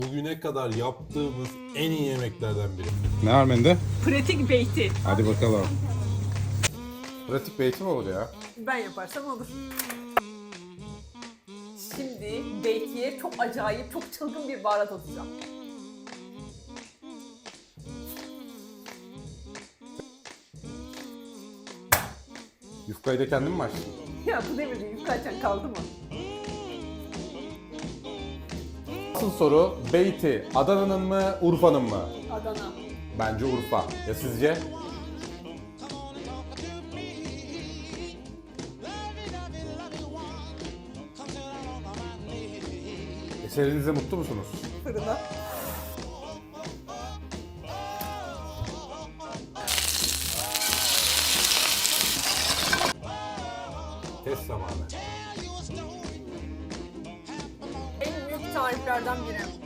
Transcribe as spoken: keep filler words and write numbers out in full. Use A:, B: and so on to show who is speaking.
A: Bugüne kadar yaptığımız en iyi yemeklerden biri.
B: Ne var menüde?
C: Pratik beyti.
B: Hadi bakalım. Pratik beyti mi olur ya?
C: Ben yaparsam olur. Şimdi beytiye çok acayip, çok çılgın bir baharat atacağım.
B: Yufkayı da kendin mi açtın?
C: Ya bu devirde yufka açan kaldı mı?
B: Asıl soru beyti Adana'nın mı Urfa'nın mı?
C: Adana.
B: Bence Urfa. Ya sizce? Eserinizde mutlu musunuz?
C: Fırına.
A: Test zamanı.
C: En büyük tariflerden biri.